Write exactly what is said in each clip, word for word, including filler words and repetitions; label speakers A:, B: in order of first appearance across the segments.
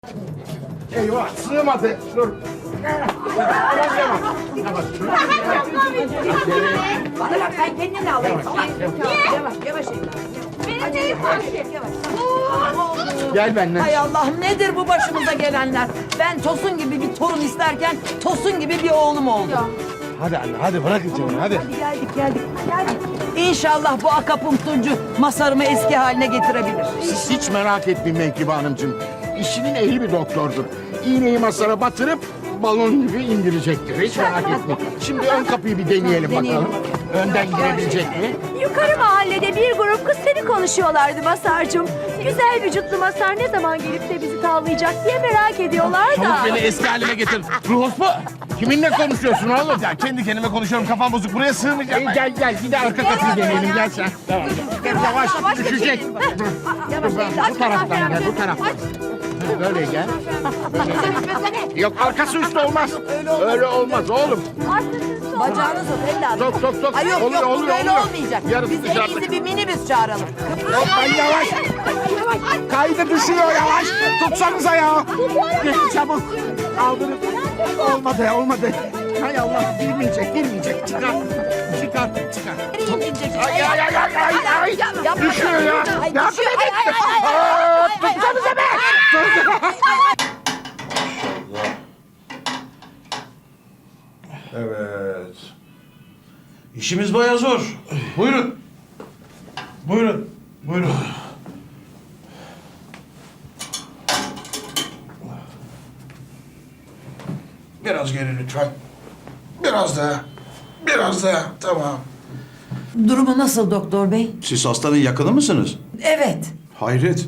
A: Eyvah sığmadı. Dur.
B: Bana bak ben kendimle alayım. Yavaş yavaş yavaş.
A: Gel benimle.
B: Hay Allah'ım nedir bu başımıza gelenler? Ben Tosun gibi bir torun isterken Tosun gibi bir oğlum oldu.
A: Hadi anne hadi bırak içeri hadi.
B: Hadi geldik geldik. Geldik. İnşallah bu akapunkturcu Masar'ımı eski haline getirebilir.
A: Siz hiç merak etmeyin Menkıbe Hanımcığım. İşinin ehli bir doktordur. İğneyi masara batırıp balon gibi indirecektir. Hiç merak etmeyin. Şimdi ön kapıyı bir deneyelim bakalım. Önden girebilecek mi?
C: Yukarı mahallede bir grup kız seni konuşuyorlardı Masar'cığım. Güzel vücutlu Masar ne zaman gelip de bizi tavlayacak diye merak ediyorlar da.
D: Çabuk beni eski halime getir. Ruh hospu.
A: Kiminle konuşuyorsun oğlum?
D: Ya kendi kendime konuşuyorum. Kafam bozuk. Buraya sığmayacağım.
A: Ee, gel gel bir de arka kapıyı deneyelim gel sen. Tamam. Yavaş düşecek.
B: Yavaş
A: Bu taraftan gel bu taraftan. Böyle gel. Böyle. Yok arkası üstü olmaz. Öyle olmaz oğlum.
B: Bacağını sok evladım.
A: Sok sok sok.
B: Ay yok
A: Oluyor,
B: yok bu
A: oluyor,
B: böyle
A: oluyor.
B: olmayacak.
A: Yarısı
B: Biz en
A: dışarıda.
B: iyisi bir minibüs çağıralım.
A: Yok ay yavaş. Kaydı düşüyor yavaş. Tutsanıza ya. Gelin çabuk. Kaldırın. Olmadı olmadı. Hay Allah girmeyecek girmeyecek. Çıkar. Çıkar çıkar. Ay ay ay ay ay ay. Düşüyor ya.
B: Ay
A: Yardım
B: düşüyor.
A: edin.
B: Ay ay ay ay.
A: Aa, tutsanıza be.
D: Evet. İşimiz bayağı zor. Buyurun. Buyurun. Buyurun. Biraz geri lütfen. Biraz daha. Biraz daha. Tamam.
B: Durumu nasıl doktor bey?
E: Siz hastanın yakını mısınız?
B: Evet.
E: Hayret.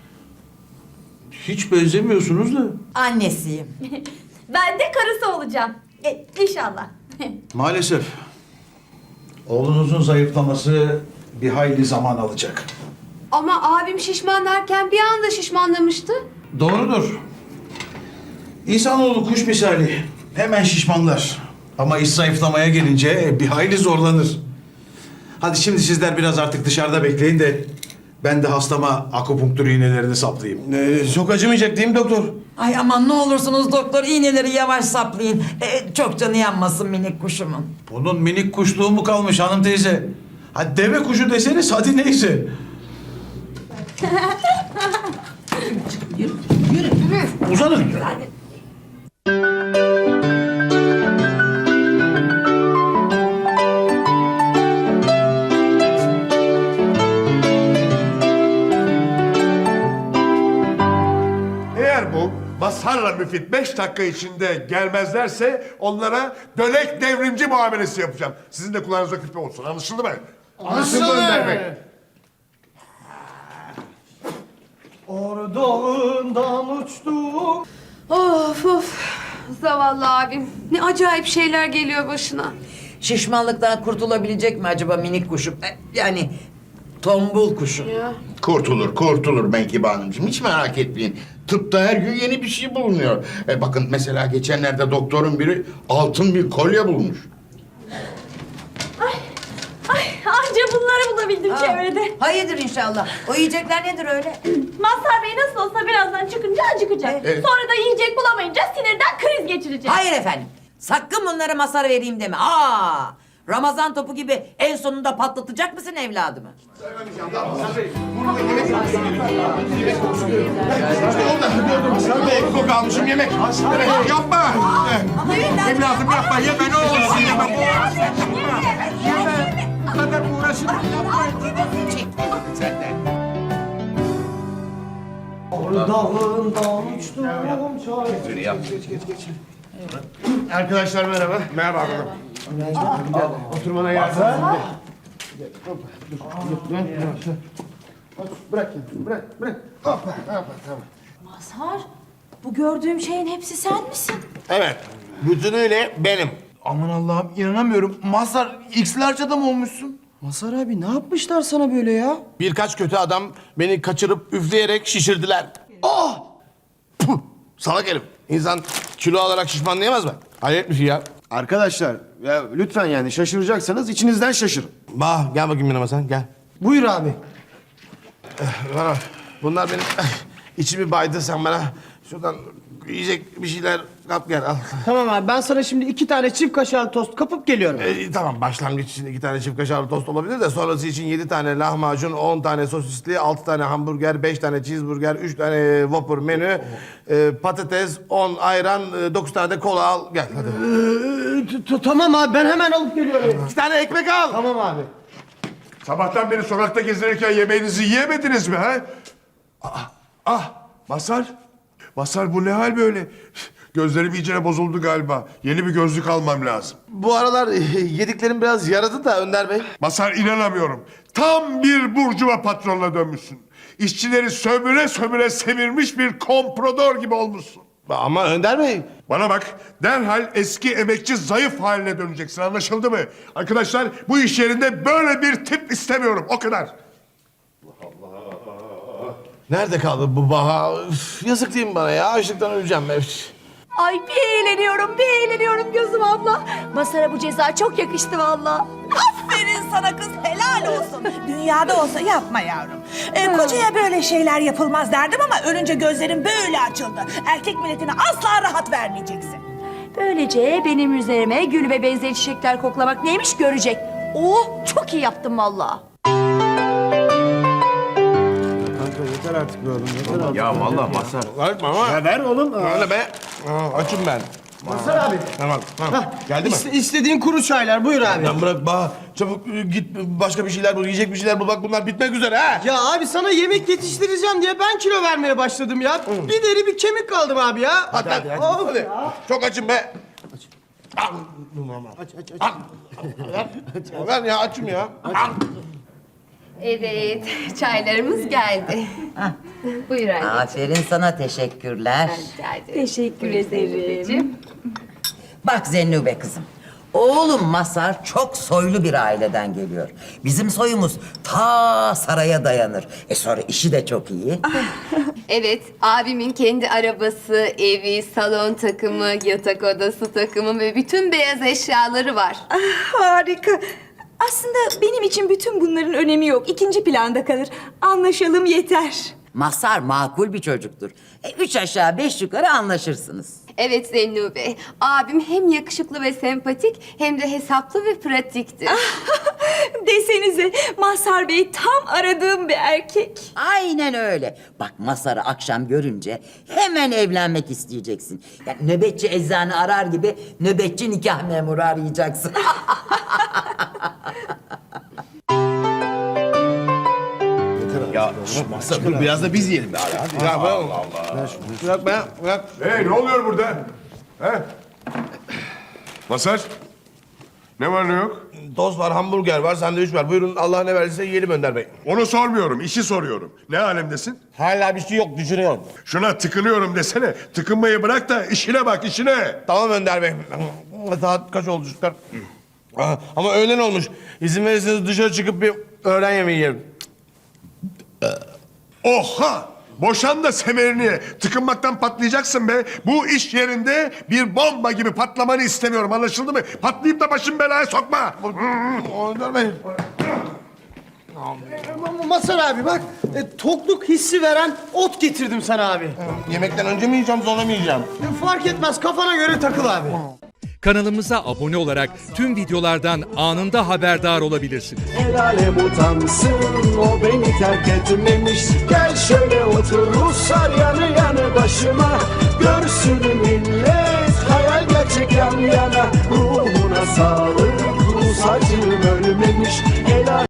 E: Hiç benzemiyorsunuz da.
B: Annesiyim.
C: Ben de karısı olacağım. E, inşallah.
E: Maalesef. Oğlunuzun zayıflaması bir hayli zaman alacak.
F: Ama abim şişman derken bir anda şişmanlamıştı.
E: Doğrudur. İnsanoğlu kuş misali. Hemen şişmanlar. Ama iş zayıflamaya gelince bir hayli zorlanır. Hadi şimdi sizler biraz artık dışarıda bekleyin de ben de hastama akupunktur iğnelerini saplayayım.
D: Ee, çok acımayacak değil mi doktor?
B: Ay aman ne olursunuz doktor iğneleri yavaş saplayın. Ee, çok canı yanmasın minik kuşumun.
E: Bunun minik kuşluğu mu kalmış hanım teyze? Hadi deve kuşu deseniz hadi neyse. Uzanın.
G: Eğer bu Masar'la Müfit beş dakika içinde gelmezlerse onlara dönek devrimci muamelesi yapacağım. Sizin de kulağınıza küpe olsun. Anlaşıldı mı? Anlaşıldı Önder Bey.
D: Ordağından uçtum.
F: Of of. Zavallı abim. Ne acayip şeyler geliyor başına.
B: Şişmanlıktan kurtulabilecek mi acaba minik kuşum? Ee, yani tombul kuşum.
F: Ya.
A: Kurtulur, kurtulur Menkıbe Hanımcığım. Hiç merak etmeyin. Tıpta her gün yeni bir şey bulunuyor. E bakın mesela geçenlerde doktorun biri altın bir kolye bulmuş.
C: Ay anca bunları bulabildim
B: Aa,
C: çevrede.
B: Hayırdır inşallah. O yiyecekler nedir öyle?
C: Mazhar Bey nasıl olsa birazdan çıkınca acıkacak.
A: Evet.
C: Sonra da yiyecek bulamayınca sinirden kriz geçirecek.
B: Hayır efendim. Sakın bunlara masar vereyim deme. Aa! Ramazan topu gibi en sonunda patlatacak mısın evladımı?
A: Sen de ekmek almışım yemek. Evet, yapma. Evladım yapma. Yeme ne olursun yeme. Yeme. Bu kadar uğraşın.
G: Arkadaşlar merhaba. Merhaba abi. Oturmana yardım edin. Bırak, bırak, bırak. Hoppa, hoppa, tamam.
C: Mazhar, bu gördüğüm şeyin hepsi sen misin?
G: Evet, bütünüyle benim.
D: Aman Allah'ım inanamıyorum. Mazhar X'lerce adam olmuşsun.
H: Mazhar abi ne yapmışlar sana böyle ya?
D: Birkaç kötü adam beni kaçırıp üfleyerek şişirdiler.
G: Oh! Puh! Salak herif. İnsan kilo alarak şişmanlayamaz mı? Hayret bir şey ya.
H: Arkadaşlar ya lütfen yani şaşıracaksanız içinizden şaşırın.
D: Bah gel bakayım yanıma sen gel.
H: Buyur abi.
D: Bana bunlar benim içimi baydı sen bana
H: Şuradan yiyecek bir şeyler kap gel al.
I: Tamam abi ben sana şimdi iki tane çift kaşarlı tost kapıp geliyorum.
H: Ee, tamam başlangıç için iki tane çift kaşarlı tost olabilir de sonrası için yedi tane lahmacun, on tane sosisli, altı tane hamburger, beş tane cheeseburger, üç tane Whopper menü, e, patates, on ayran, e, dokuz tane de kola al gel hadi.
I: Ee, t- Tamam abi ben hemen alıp geliyorum.
H: İki tane ekmek al.
I: Tamam abi.
G: Sabahtan beri sokakta gezinirken yemeğinizi yiyemediniz mi ha? Ah, ah Mazhar. Mazhar bu ne hal böyle? Gözlerim iyicene bozuldu galiba. Yeni bir gözlük almam lazım.
H: Bu aralar e, yediklerim biraz yaradı da Önder Bey.
G: Mazhar inanamıyorum. Tam bir burcuva patronuna dönmüşsün. İşçileri sömüre sömüre semirmiş bir komprador gibi olmuşsun.
H: Ama Önder Bey.
G: Bana bak, derhal eski emekçi zayıf haline döneceksin, anlaşıldı mı? Arkadaşlar, bu iş yerinde böyle bir tip istemiyorum, o kadar.
H: Nerede kaldı bu Baha? Üf, yazık değil mi bana ya? Açlıktan öleceğim ben.
C: Ay bir eğleniyorum, bir eğleniyorum gözüm abla. Masara bu ceza çok yakıştı valla.
J: Aferin sana kız, helal olsun. Dünyada olsa yapma yavrum. Ee, kocaya böyle şeyler yapılmaz derdim ama ölünce gözlerim böyle açıldı. Erkek milletine asla rahat vermeyeceksin.
C: Böylece benim üzerime gül ve benzeri çiçekler koklamak neymiş görecek. Oh çok iyi yaptım valla.
H: Yeter artık be oğlum, yeter artık.
E: Ya vallahi Mazhar.
H: Ver bana.
I: Ya ver oğlum.
H: Öyle be. Aa, açım ben.
I: Mazhar abi.
H: Tamam, tamam. Geldi mi?
I: İste, istediğin kuru çaylar buyur abi.
H: Lan bırak Baha. Çabuk e, git başka bir şeyler bul, yiyecek bir şeyler bul. Bak bunlar bitmek üzere ha.
I: Ya abi sana yemek yetiştireceğim diye ben kilo vermeye başladım ya. Bir deri bir kemik kaldım abi ya.
H: Hadi hadi. hadi, hadi. Çok açım be. Al.
I: Aç aç aç.
H: Al. Ver. Ver ya açım ya. Al.
F: Evet, çaylarımız geldi. Buyur anne.
B: Aferin sana, teşekkürler.
C: Teşekkür ederim.
B: Bak Zennube kızım. Oğlum Mazhar çok soylu bir aileden geliyor. Bizim soyumuz ta saraya dayanır. E sonra işi de çok iyi.
F: Evet, abimin kendi arabası, evi, salon takımı, yatak odası takımı ve bütün beyaz eşyaları var.
J: Harika. Aslında benim için bütün bunların önemi yok. İkinci planda kalır. Anlaşalım yeter.
B: Mazhar makul bir çocuktur. E, üç aşağı beş yukarı anlaşırsınız.
F: Evet Zennu Bey, abim hem yakışıklı ve sempatik hem de hesaplı ve pratiktir.
J: Desenize Mazhar Bey tam aradığım bir erkek.
B: Aynen öyle. Bak Mazhar'ı akşam görünce hemen evlenmek isteyeceksin. Yani nöbetçi eczane arar gibi nöbetçi nikah memuru arayacaksın.
H: Ya Mazhar dur biraz da biz yiyelim be abi. Hadi. Ya Allah Allah. Bırak be, bırak.
G: Hey, ne oluyor burada? He? Mazhar, ne var ne yok?
H: Tost var, hamburger var, sandviç var. Buyurun Allah ne verdiyse yiyelim Önder Bey.
G: Onu sormuyorum, işi soruyorum. Ne alemdesin?
H: Hala bir şey yok, düşünüyorum.
G: Şuna tıkınıyorum desene. Tıkınmayı bırak da işine bak, işine.
H: Tamam Önder Bey. Saat kaç oldu çocuklar? Aa, ama öğlen olmuş. İzin verirseniz dışarı çıkıp bir öğlen yemeği yiyelim.
G: Oha! Boşan da semerini. Tıkınmaktan patlayacaksın be. Bu iş yerinde bir bomba gibi patlamanı istemiyorum. Anlaşıldı mı? Patlayıp da başımı belaya sokma.
H: Önder Bey.
I: Mazhar abi bak e, tokluk hissi veren ot getirdim sana abi.
H: Yemekten önce mi yiyeceğim, sonra mı yiyeceğim?
I: E, fark etmez kafana göre takıl abi.
K: Kanalımıza abone olarak tüm videolardan anında haberdar olabilirsiniz.
L: El alem utansın, o beni terk etmemiş. Gel şöyle otur Ruslar yanı yanı başıma. Görsün millet hayal gerçek yan yana. Ruhuna sağlık Rus acım.